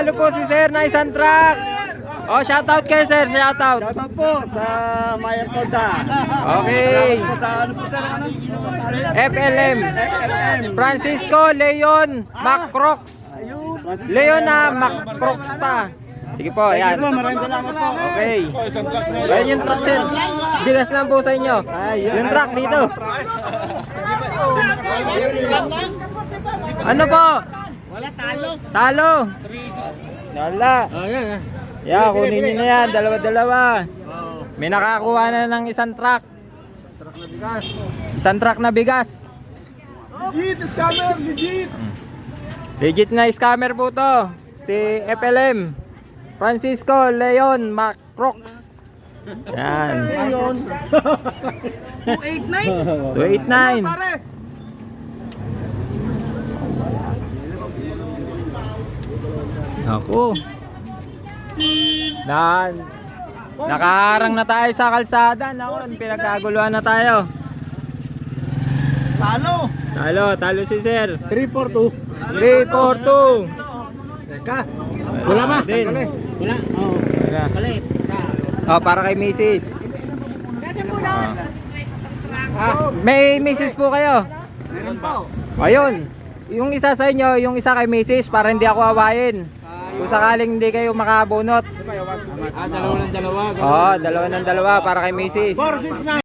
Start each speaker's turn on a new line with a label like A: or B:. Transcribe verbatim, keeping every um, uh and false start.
A: Nanalo po si Sir na isang truck. Oh, shoutout kayo Sir, shoutout.
B: Shoutout po sa Mayan Toda.
A: Okay.
B: Po sa ano po sir, ano?
A: F L M. Francisco Leon Macrox. Leon na Macrox ta. Sige po, ayan.
B: Po, maraming salamat po.
A: Okay. Ayan yung truck Sir. Bigas lang po sa inyo. Yung truck dito. Ano po?
B: Wala talo.
A: Talo. Wala.
B: Oh, yan.
A: Yeah, kunin nyo na yan. Dalawa-dalawa. May nakakuha na ng isang truck.
B: Truck na bigas.
A: Isang truck na bigas.
B: Legit, scammer, legit.
A: Legit na scammer po to. Si F L M. Francisco Leon Macrox. Yan.
B: Ayun. two eight nine.
A: two eight nine. Ako. Na, nakaharang na tayo sa kalsada. Naku, pinagkaguluhan na tayo.
B: Talo.
A: Talo, talo si Sir.
B: three four two.
A: three four two.
B: Teka. Wala ba?
A: Din.
B: Wala. Oh.
A: Wala.
B: Palit.
A: Oh, para kay Missus
B: Ah,
A: May Missus po kayo?
B: meron po.
A: Ayun. Yung isa sa inyo, yung isa kay Missus para hindi ako awayin. Kung sakaling hindi kayo makabunot.
B: Ah, dalawa ng dalawa.
A: Oh, dalawa ng dalawa para kay Missus
B: four six nine.